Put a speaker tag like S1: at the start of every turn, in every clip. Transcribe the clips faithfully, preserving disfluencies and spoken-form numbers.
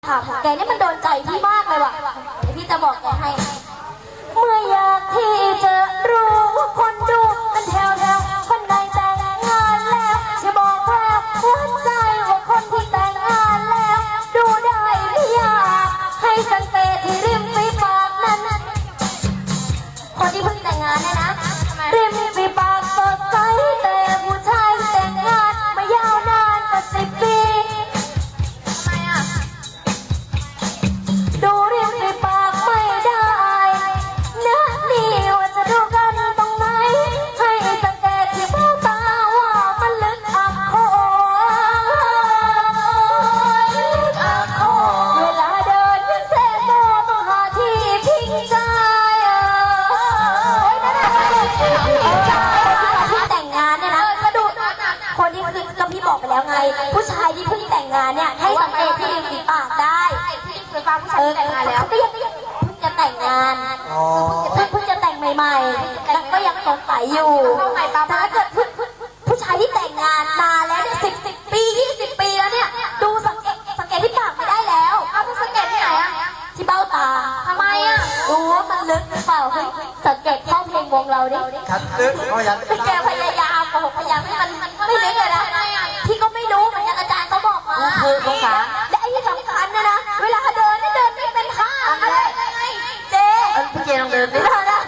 S1: ถามแกนี่มันโดนใจพี่มากเลยว่ะพี่จะบอกแกให้เมื่ออยากที่จะรู้ว่าคนดูเป็นแถวแถวคนใดแต่งงานแล้วจะบอกแววหัวใจว่าคนที่แต่งงานแล้วดูได้หรือยังให้สังเกตที่ริมฝีปากนั้นคนที่เพิ่งแต่งงานเนี่ยนะริมฝีปากสดใสแต่ผู้ชายแต่งงานมายาวนานกว่าสิบปีทำไมอ่ะดูริมฝีปากไม่ได้นะนี่ว่าจะดูกันตรงไหนให้สังเกตที่เบ้าตาว่ามันลึกอักโขอักโขเวลาเดินยังเซ่โซ่ต้องหาที่พิงใจโอ้ยนั่นแหละที่แต่งงานเนี่ยนะก็ดูคนที่คือก็พี่บอกไปแล้วไงผู้ชายที่เพิ่งแต่งงานเนี่ยให้สังเกตที่ริมฝีปากได้เออแต่งงานแล้วก็ยังเพิ่งจะแต่งงานเพิ่งเพิ่งจะแต่งใหม่ๆแล้วก็ยังสงสัยอยู่แต่ถ้าเกิดผู้ชายที่แต่งงานมาแล้วเนี่ยสิบสิบปียี่สิบปีแล้วเนี่ยดูสังเกตสังเกตที่ปากไม่ได้แล้วเอาไปสังเกตที่ไหนอะที่เบ้าตาทำไมอะรู้ว่ามันลึกหรือเปล่าเฮ้ยสังเกตข้อเพลงวงเราดิ
S2: ฉันลึกเพราะยัง
S1: แกพยายามบอกพยายามให้มันไม่ลึกเลยนะพี่ก็ไม่รู้เหมือนกันอาจารย์เขาบอกมาคือสงสารและไอ้ที่สำคัญเนี่ยนะเวลาเดินนี่เดินไม่เป็นท่าอะไรเจ๊พี่เจลองเดินดิ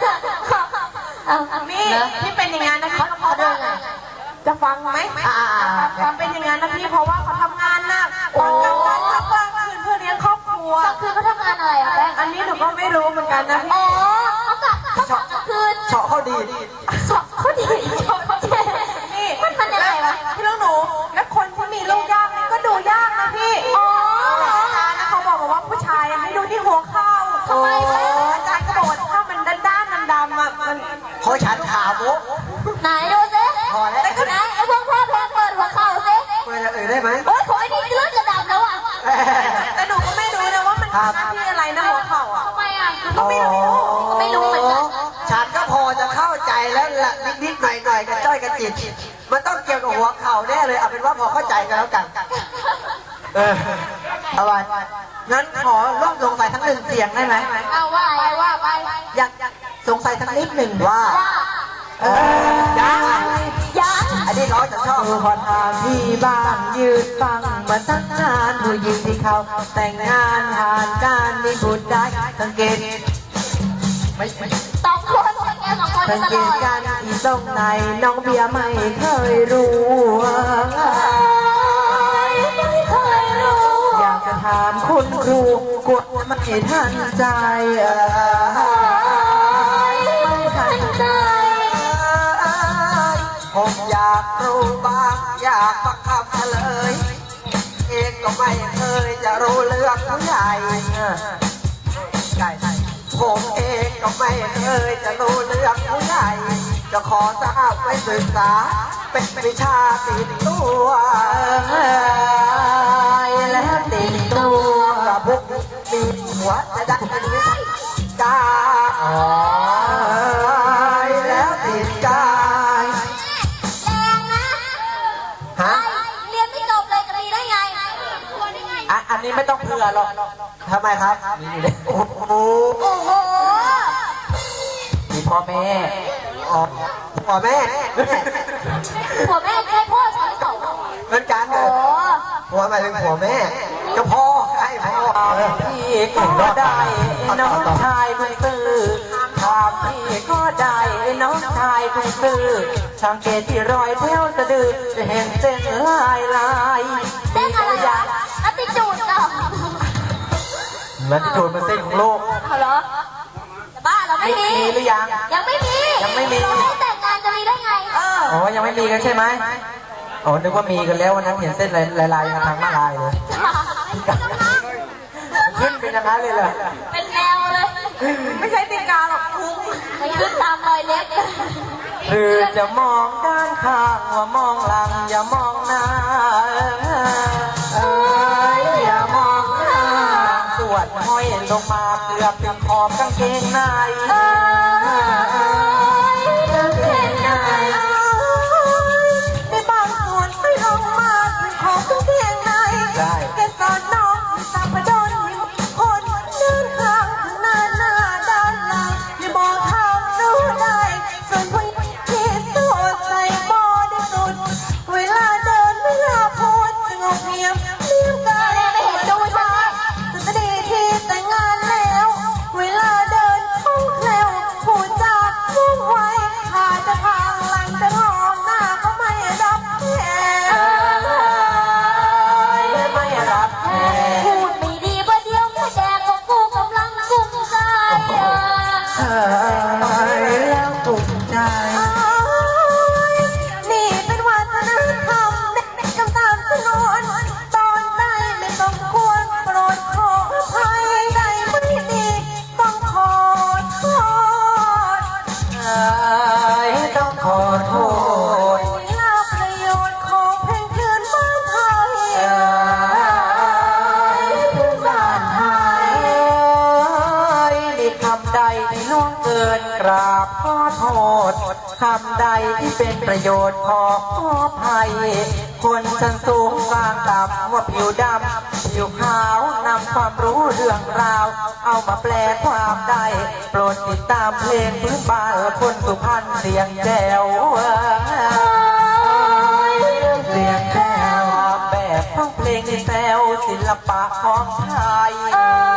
S3: นี่ที่เป็นอย่างนั้นนะคะเขาเดินไงจะฟังไหมฟังเป็นอย่างนั้นนะพี่เพราะว่าเขาทำงานหนักวันกลางวันทักว่างคืนเพื่อเลี้ยงครอบครัว
S1: คือเขาทำงานอะไรอ่ะแป้ง
S3: อันนี้หนูก็ไม่รู้เหมือนกันนะพี่
S1: อ๋อเขากะเขากะกลางคืน
S2: เฉาะเขาดี
S1: เฉาะเขาดีเฉาะเขาดี
S3: นี่มันมันยังไงวะพี่ลูกหนูและคนที่มีลูกยากนี่ก็ดูยากนะพี่
S1: อ๋อ
S3: นะเขาบอกว่าผู้ชายให้ดูที่หัวเข่า
S1: ทำไม
S3: อาจารย์ก็บอกว่าถ้ามันด้านๆดำๆอ่ะมัน
S2: เพราะฉันขาโบ๊ะ
S1: ไหนดูสิ
S2: พอแล้ว
S1: ไหนไอ้พวกพ่อเพลงเปิดหัวเข่าสิ
S2: เปิดอย่างอื่นได้ไหม
S1: โอ๊ยขอไอ้นี่เลือดจะดำแล้วอ่ะ
S3: แต่หนูก็ไม่รู้นะว่ามันหน้าที่อะไรนะหัวเข่าอ่ะ
S1: ทำไมอ่ะ
S3: ก็ไม่รู้
S1: ไม่รู้เหมือนกัน
S2: ฉันก็พอจะเข้าใจแล้วละนิดๆหน่อยๆกันจ้อยกันจิตมันต้องเกี่ยวกับหัวเข่าแน่เลยเอาเป็นว่าพอเข้าใจกันแล้วกันเออเอาไว้งั้นขอร่วมสงสัยทั้งหนึ่งเสียงได้ไหม
S1: เอาว่าไปว่าไป
S2: อยากสงสัยทั้งนิดหนึ่งว่าเออยัง
S1: ยัง
S2: อันนี้ร้อยจะชอบ
S4: ขอทางที่บ้านยืนฟังมาตั้งนานผู้หญิงที่เขาแต่งงานผ่านการมีบุตรได้สังเกต
S2: ไม่ไม่
S1: สองคนแกสองคน
S4: สังเกตการที่ตรงไหนน้องเบียร์ไม่เคยรู้
S1: ไม่เคยรู้
S4: อยากจะถามคุณครูกลัวไม่ทันใจ
S1: ไม่ทันใจ
S2: ผมอยากรู้บ้างอยากฟังคำเฉลยเองก็ไม่เคยจะรู้เรื่องผู้ใหญ่ใช่ผมเองก็ไม่เคยจะรู้เรื่องผู้ใหญ่จะขอทราบไว้ศึกษาเป็นวิชาติดตัว
S4: และติดตัว
S2: กับพวกมีหัวจะได้เป็นวิชาแล้วติดใจ
S1: แรงนะ
S2: ฮะ
S1: เรียนไม่จบเลยจะมีได้ไง
S4: อ่ะอันนี้ไม่ต้องเผื่อหรอก
S2: ทำไมครับนี่เลยโอ้โห
S1: โอ้โห
S4: มีพ่อแม่
S2: อ๋อพ่อแม่
S1: ผัวแม่ใช่พ่อฉันสอง
S2: เหมือนกันเลยผัวหมายถึงผัวแม่จะพ่อใช่พ่อ
S4: พี่ก็ได้น้องชายเพิ่งซื้อถามพี่ก็ได้น้องชายเพิ่งซื้อสังเกตที่รอยแถวสะดือจะเห็นเส้นลายลาย
S1: เส้นอะไรอ่ะอัติจูดเหรอ
S4: แล้วที่จูดมันเส้นของโลก
S1: เหรอจะบ้าเหรอไม่มี
S4: หรือยัง
S1: ยังไม่มี
S4: ยังไม่มี
S1: เราแต่งงานจะมีได้ไง
S4: อ๋อยังไม่มีกันใช่ไหมอ๋อนึกว่ามีกันแล้ววันนั้นเห็นเส้นลายๆทางมาลายเลยขึ้นเป็นอย่างนั้นเลยเหรอ
S1: เป็นแนวเลย
S3: ไม่ใช่ติงกาหรอกพุง
S1: มันขึ้นตามรอยเล็บ
S4: หรือจะมองด้านข้างว่ามองหลังอย่ามองหน้าเอ้ยอย่ามองหน้าสวดห้อยลงมาเกือบถึงขอบกางเกงใน
S1: กางเกงใน
S3: ในบางส่วนไม่ลงมาถึงขอบกางเกงในแกสอนน้องสับปะรด
S4: กินกราบขอโทษคำใดที่เป็นประโยชน์ขอขอภัยคนชั้นสูงกลางต่ำว่าผิวดำผิวขาวนำความรู้เรื่องราว เอามาแปลความได้ โปรดติดตามเพลงพื้นบ้านคนสุพรรณเสียงแจ๋วเสียงแจ๋วแบบต้องเพลงแซวศิลปะของไทย